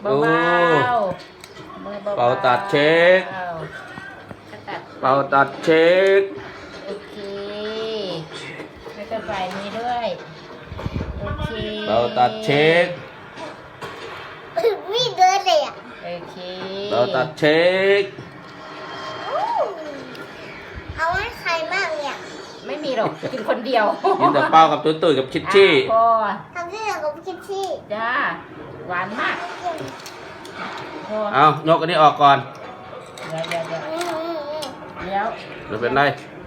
เบาๆมือเบาๆเป่าตัดเช็คเป่าตัดเช็คโอเคแล้วก็ฝ่ายนี้ด้วยโอเคเป่าตัดเช็ควิ่งเดินเลยอ่ะโอเคเป่าตัดเช็คเอาให้ใครบ้างเนี่ยไม่มีหรอกกินคนเดียวกินแต่เป้ากับตุ้ยกับชิดชี่พอทำที่ไหนกับคิดที่จ้าหวานมากพอเอายกอันนี้ออกก่อนเดี๋ยวไม่เป็นไร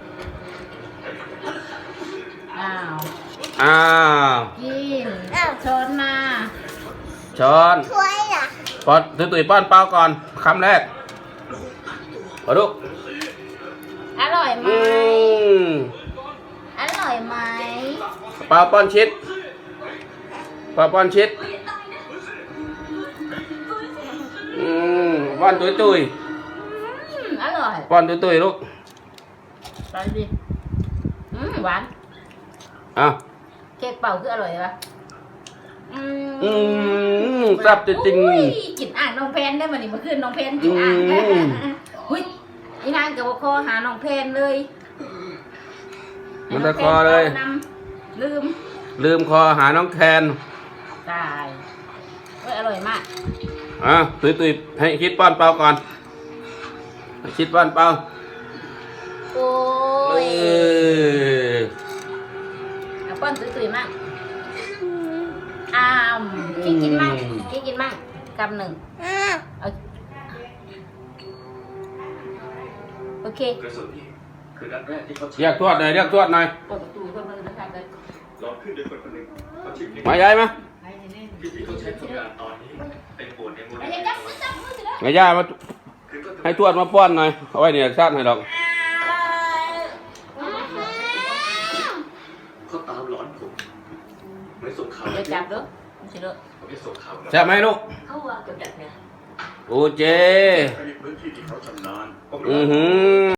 อ้าวอ้าวกินช้อนมาช้อนถ้วยล่ะป้อนตุ้ยป้อนเป้าก่อนคำแรกมาดูอร่อยไหมมอร่อยไหมเป้าป้อนชิดเป้าป้อนชิดป้อนตุ้ยอร่อยป้อนตุ้ยลูกไปดิหวานอ่ะเค้กเป่าคืออร่อยปะแซ่บจริงอุ้ยกินอ่างน้องเพนได้มานี่เมื่อคืนน้องเพนกินอ่างหุ้ยอีนางกับคอหาน้องเพนเลยมันตะคอเลยนำลืมคอหาน้องแคนตายเฮ้ยอร่อยมากอ่ะตุ้ยให้คิดป้อนเป้าก่อนให้คิดป้อนเป้าโอ้เอ้ยยเอาป้อนตุยๆมากอ้ามคิดกินมากกำหนึ่งเอาโอเคกระสุนนี่คือนัดแรกที่เขาเรียกทวดหน่อยเรียกทวดหน่อยเปิดประตูเข้ามาเลยนะครับเลยลองขึ้นโดยคนคนหนึ่งเขาชื่อนิกมาใหญ่ไหมที่เขาใช้ทำงานตอนนี้เป็นโบสถ์ในมูลไอ้นิยัธิงจับมือสิแล้วมาย่ามาคือก็ให้ทวดมาป้อนหน่อยเอาไว้เนี่ยชาติให้ดอกเขาตามหลอนผมเหมือนส่งข่าวเดี๋ยวจับเด้อสิเด้อผมจะส่งข่าวใช่ไหมลูกเขาว่ากับดักเนี่ยโอเจในพื้นที่ที่เขาชำนาญผมอืรู้อหือ